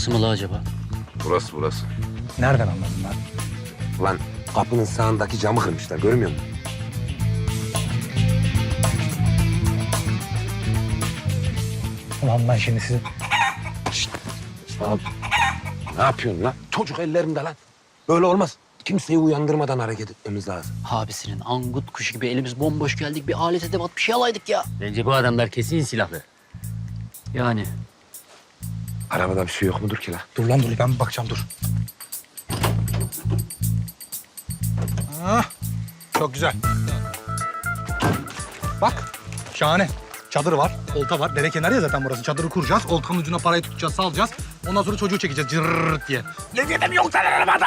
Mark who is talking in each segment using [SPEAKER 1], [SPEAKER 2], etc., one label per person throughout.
[SPEAKER 1] Burası mı la acaba?
[SPEAKER 2] Burası.
[SPEAKER 3] Nereden anladın lan?
[SPEAKER 2] Lan kapının sağındaki camı kırmışlar, görmüyor musun?
[SPEAKER 3] Ulan ben şimdi sizi...
[SPEAKER 2] Abi, ne yapıyorsun lan? Çocuk ellerimde lan. Böyle olmaz. Kimseyi uyandırmadan hareket etmemiz lazım.
[SPEAKER 1] Abisinin angut kuşu gibi elimiz bomboş geldik. Bir alet edevat bir şey alaydık ya. Bence bu adamlar kesin silahlı. Yani.
[SPEAKER 2] Arabada bir şey yok mudur ki lan?
[SPEAKER 3] Dur lan dur, ben bir bakacağım dur. Ah, çok güzel. Bak, şahane. Çadır var, olta var. Dere kenarı ya zaten burası. Çadırı kuracağız, oltanın ucuna parayı tutacağız, salacağız. Ondan sonra çocuğu çekeceğiz cırrrrt diye.
[SPEAKER 2] Ne mi yok sen arabada?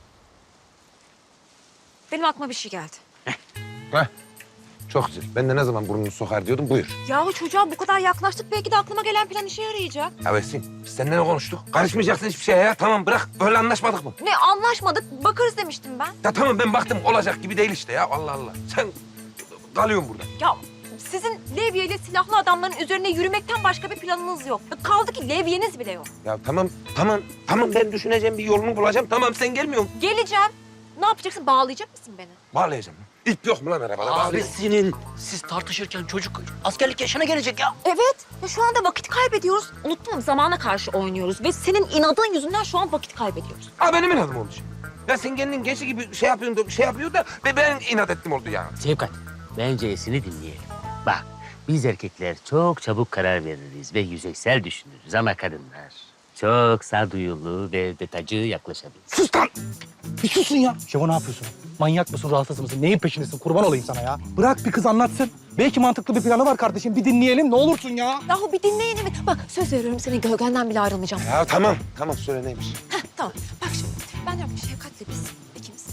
[SPEAKER 4] Benim aklıma bir şey geldi.
[SPEAKER 2] Heh. Çok güzel. Ben de ne zaman burnunu sokar diyordum, buyur.
[SPEAKER 4] Yahu çocuğa bu kadar yaklaştık. Belki de aklıma gelen plan işe yarayacak.
[SPEAKER 2] Ya Esin, biz seninle ne konuştuk? Karışmayacaksın hiçbir şeye ya. Tamam bırak. Böyle anlaşmadık mı?
[SPEAKER 4] Ne anlaşmadık. Bakarız demiştim ben.
[SPEAKER 2] Ya tamam ben baktım olacak gibi değil işte ya. Allah Allah. Sen kalıyorsun burada.
[SPEAKER 4] Ya sizin levye ile silahlı adamların üzerine yürümekten başka bir planınız yok. Kaldı ki levyeniz bile yok.
[SPEAKER 2] Ya tamam ben düşüneceğim bir yolunu bulacağım. Tamam sen gelmiyorsun.
[SPEAKER 4] Geleceğim. Ne yapacaksın? Bağlayacak mısın beni?
[SPEAKER 2] Bağlayacağım. İp yok mu lan arabada? Bağlayayım.
[SPEAKER 1] Abisinin siz tartışırken çocuk askerlik yaşına gelecek ya.
[SPEAKER 4] Evet. Ya şu anda vakit kaybediyoruz. Unuttum, zamana karşı oynuyoruz. Ve senin inadın yüzünden şu an vakit kaybediyoruz.
[SPEAKER 2] Ha benim inadım olmuş. Ya sen kendin gençlik gibi şey yapıyor da ben inat ettim oldu ya.
[SPEAKER 5] Sevkat, bence Esin'i dinleyelim. Bak, biz erkekler çok çabuk karar veririz ve yüzeysel düşünürüz ama kadınlar çok sağduyulu ve detaycı yaklaşabilir.
[SPEAKER 3] Sus lan! Bir susun ya. Şevo ne yapıyorsun? Manyak mısın, rahatsız mısın? Neyin peşindesin? Kurban olayım sana ya. Bırak bir kız anlatsın. Belki mantıklı bir planı var kardeşim. Bir dinleyelim, ne olursun ya.
[SPEAKER 4] Yahu bir dinleyin mi? Bak söz veriyorum, senin gölgenden bile ayrılmayacağım.
[SPEAKER 2] Ya tamam söyle neymiş.
[SPEAKER 4] Heh, tamam. Bak şimdi. Ben diyorum ki Şefkat'le biz ikimiz.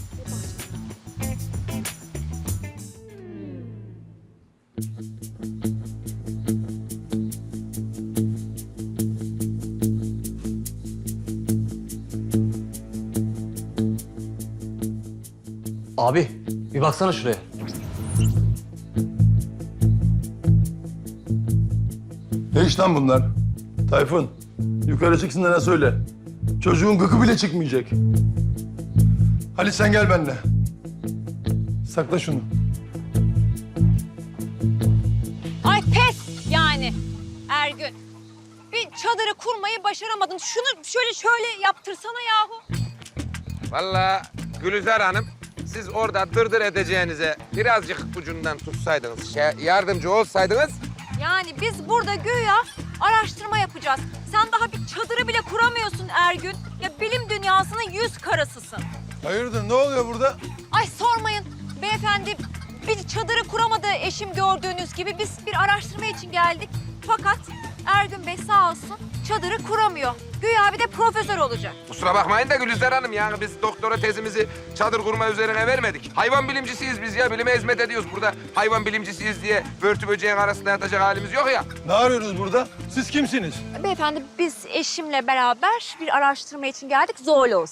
[SPEAKER 6] Abi bir baksana şuraya.
[SPEAKER 7] Ne iş lan bunlar? Tayfun, yukarı çıksın da söyle. Çocuğun gıkı bile çıkmayacak. Halit sen gel benimle. Sakla şunu.
[SPEAKER 4] Ay pes yani Ergün. Bir çadırı kurmayı başaramadın. Şunu şöyle yaptırsana yahu.
[SPEAKER 2] Vallahi Gülizar Hanım, siz orada dırdır edeceğinize birazcık ucundan tutsaydınız, yardımcı olsaydınız.
[SPEAKER 4] Yani biz burada güya araştırma yapacağız. Sen daha bir çadırı bile kuramıyorsun Ergün. Ya bilim dünyasının yüz karasısın.
[SPEAKER 7] Hayırdır, ne oluyor burada?
[SPEAKER 4] Ay sormayın beyefendi. Bir çadırı kuramadı eşim gördüğünüz gibi. Biz bir araştırma için geldik. Fakat Ergün Bey sağ olsun çadırı kuramıyor. Güya bir de profesör olacak.
[SPEAKER 2] Kusura bakmayın da Gülizar Hanım, yani biz doktora tezimizi çadır kurma üzerine vermedik. Hayvan bilimcisiyiz biz ya, bilime hizmet ediyoruz burada. Hayvan bilimcisiyiz diye börtü böceğin arasında yatacak halimiz yok ya.
[SPEAKER 7] Ne arıyoruz burada? Siz kimsiniz?
[SPEAKER 4] Beyefendi biz eşimle beraber bir araştırma için geldik. Zooloz.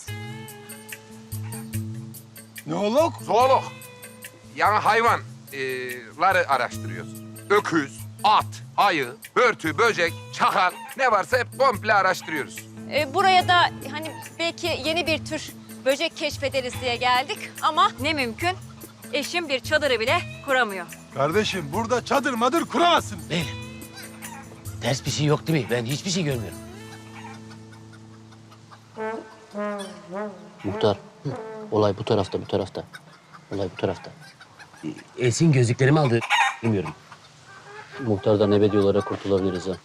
[SPEAKER 7] Neolog?
[SPEAKER 2] Zoolog. Yani hayvanları araştırıyoruz. Öküz, at, ayı, börtü, böcek, çakal ne varsa hep komple araştırıyoruz.
[SPEAKER 4] Buraya da hani belki yeni bir tür böcek keşfederiz diye geldik ama ne mümkün. Eşim bir çadırı bile kuramıyor.
[SPEAKER 7] Kardeşim burada çadır madır kuramazsınız.
[SPEAKER 5] Beyler, ters bir şey yok değil mi? Ben hiçbir şey görmüyorum.
[SPEAKER 1] Muhtar. Olay bu tarafta. Olay bu tarafta.
[SPEAKER 5] Esin gözlüklerimi aldı. Bilmiyorum.
[SPEAKER 1] Muhtardan ebediyolara kurtulabiliriz ha.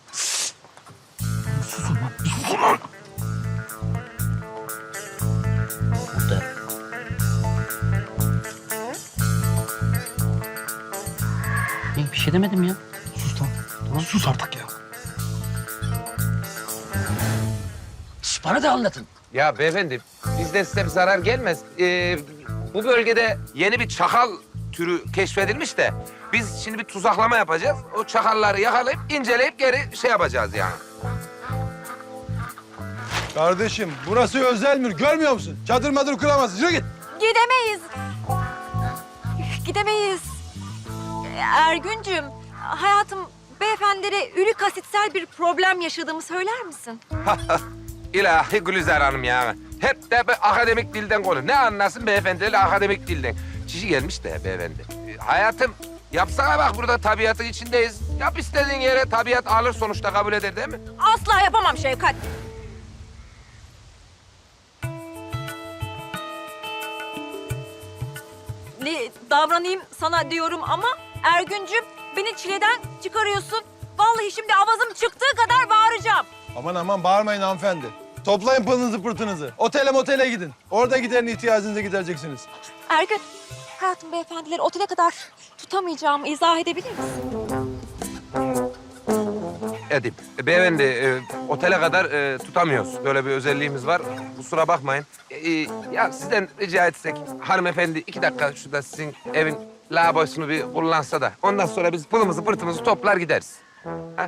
[SPEAKER 1] Muhtar. Bir şey demedim ya.
[SPEAKER 3] Sus lan. Tamam. Sus artık ya.
[SPEAKER 5] Şş, bana da anlatın.
[SPEAKER 2] Ya beyefendi, bizden size bir zarar gelmez. Bu bölgede yeni bir çakal türü keşfedilmiş de biz şimdi bir tuzaklama yapacağız. O çakalları yakalayıp inceleyip geri şey yapacağız yani.
[SPEAKER 7] Kardeşim burası özel mülk, görmüyor musun? Çadır madır kuramazsın. Yürü git.
[SPEAKER 4] Gidemeyiz. Gidemeyiz. Ergüncüm, hayatım beyefendilere ürik asitsel bir problem yaşadığımı söyler misin?
[SPEAKER 2] İlahi Gülizar Hanım ya. Hep de akademik dilden konuşuyor. Ne anlasın beyefendiyle akademik dilden. Kişi gelmiş de beyefendi. Hayatım yapsana bak burada tabiatın içindeyiz. Yap istediğin yere tabiat alır sonuçta kabul eder değil mi?
[SPEAKER 4] Asla yapamam Şevkat. Ne davranayım sana diyorum ama Ergüncüm beni çileden çıkarıyorsun. Vallahi şimdi avazım çıktığı kadar bağıracağım.
[SPEAKER 7] Aman aman bağırmayın hanımefendi. Toplayın pılınızı pırtınızı. Otele motele gidin. Orada giderin ihtiyacınızı gidereceksiniz.
[SPEAKER 4] Ergün, hayatım beyefendileri otele kadar tutamayacağımı izah edebilir misin?
[SPEAKER 2] Edip. Beyefendi otele kadar tutamıyoruz. Böyle bir özelliğimiz var. Kusura bakmayın. Ya sizden rica etsek hanımefendi 2 dakika şurada sizin evin lavabosunu bir kullansa da ondan sonra biz pılımızı pırtımızı toplar gideriz. Ha?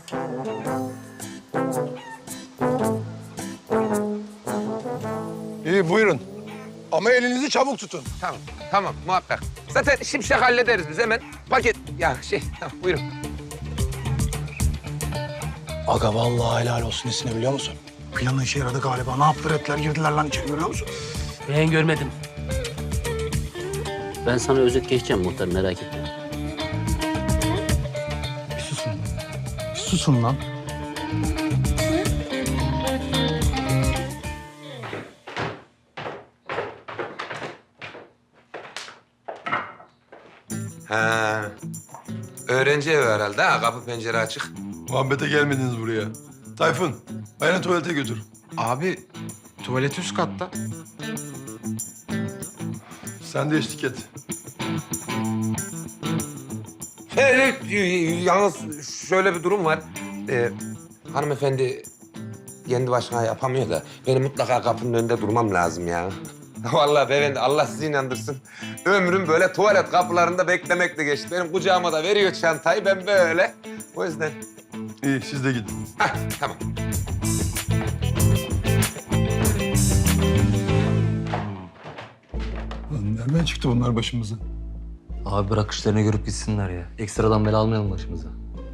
[SPEAKER 7] İyi buyurun. Ama elinizi çabuk tutun.
[SPEAKER 2] Tamam, tamam muhakkak. Zaten şimşek hallederiz biz hemen. Paket, ya tamam buyurun.
[SPEAKER 3] Aga vallahi helal olsun Esin'e biliyor musun? Planı işe yaradı galiba. Ne yaptılar ettiler girdiler lan içeri görüyor musun?
[SPEAKER 1] Ben görmedim. Ben sana özet geçeceğim muhtar merak etme.
[SPEAKER 3] Bir susun. Bir susun lan.
[SPEAKER 2] Ha. Öğrenci evi herhalde ha, kapı pencere açık.
[SPEAKER 7] Muhabbete gelmediniz buraya. Tayfun, beni tuvalete götür.
[SPEAKER 6] Abi tuvalet üst katta.
[SPEAKER 7] Sen de eşlik et.
[SPEAKER 2] Yalnız şöyle bir durum var. Hanımefendi kendi başına yapamıyor da benim mutlaka kapının önünde durmam lazım ya. Vallahi beyefendi Allah sizi inandırsın. Ömrüm böyle tuvalet kapılarında beklemekle geçti. Benim kucağıma da veriyor çantayı ben böyle. O yüzden.
[SPEAKER 7] İyi, siz de gidin.
[SPEAKER 2] Hah, tamam.
[SPEAKER 7] Lan nereden çıktı bunlar başımıza?
[SPEAKER 8] Abi bırak işlerini görüp gitsinler ya. Ekstradan bela almayalım başımıza.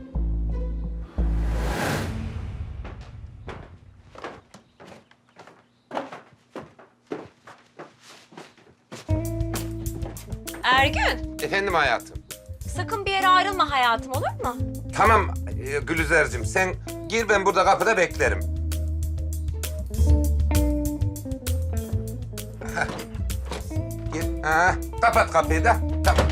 [SPEAKER 4] Ergün,
[SPEAKER 2] Efendim hayatım.
[SPEAKER 4] sakın bir yere ayrılma hayatım olur mu?
[SPEAKER 2] Tamam Gülizar'cığım sen gir ben burada kapıda beklerim. Hah. Gir. Ha, kapat kapıyı da. Tamam.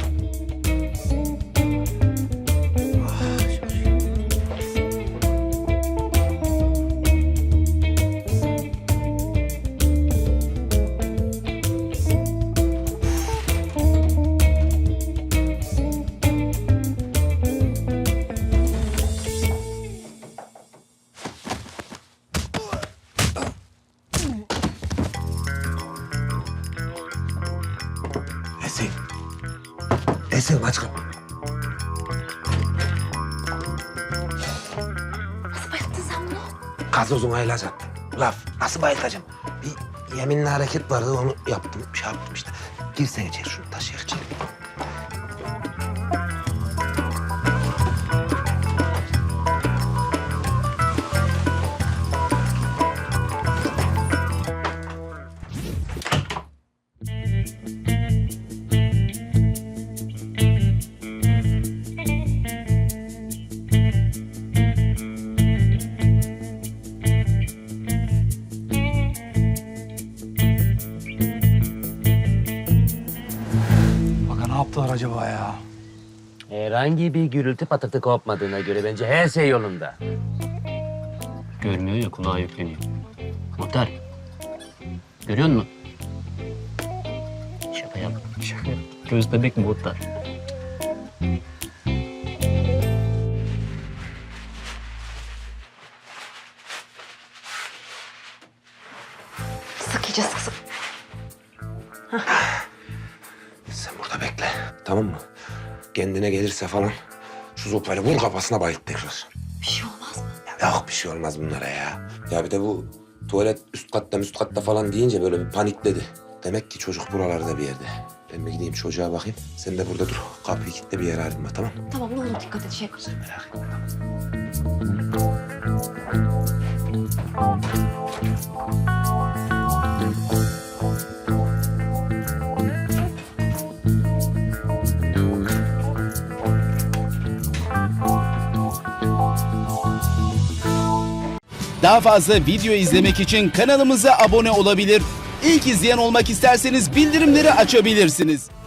[SPEAKER 2] Esin aç kapıyı.
[SPEAKER 4] Nasıl bayıldın sen bunu?
[SPEAKER 2] Gazozunu ayılacak. Laf. Nasıl bayılacağım? Bir yeminli hareket vardı onu yaptım. Şey yaptım işte. Gir sen içeri şunu taşıyak içeri.
[SPEAKER 3] Aga ne yaptılar acaba ya?
[SPEAKER 5] Herhangi bir gürültü patırtı kopmadığına göre bence her şey yolunda.
[SPEAKER 1] Görmüyor ya kulağa yükleniyor. Muhtar. Görüyor musun? Şaka yap. Şaka yap. Göz bebek muhtar.
[SPEAKER 4] Sık iyice sık sık.
[SPEAKER 2] Sen burada bekle. Tamam mı? Kendine gelirse falan şu sopayla vur kafasına bayılt tekrar.
[SPEAKER 4] Bir şey olmaz mı?
[SPEAKER 2] Ya yok bir şey olmaz bunlara ya. Ya bir de bu tuvalet üst katta falan deyince böyle bir panikledi. Demek ki çocuk buralarda bir yerde. Ben bir gideyim çocuğa bakayım. Sen de burada dur. Kapıyı kilitle bir yere ayrılma tamam mı?
[SPEAKER 4] Tamam ne olur dikkat et Şevkat.
[SPEAKER 2] Sen merak etme.
[SPEAKER 9] Daha fazla video izlemek için kanalımıza abone olabilir. İlk izleyen olmak isterseniz bildirimleri açabilirsiniz.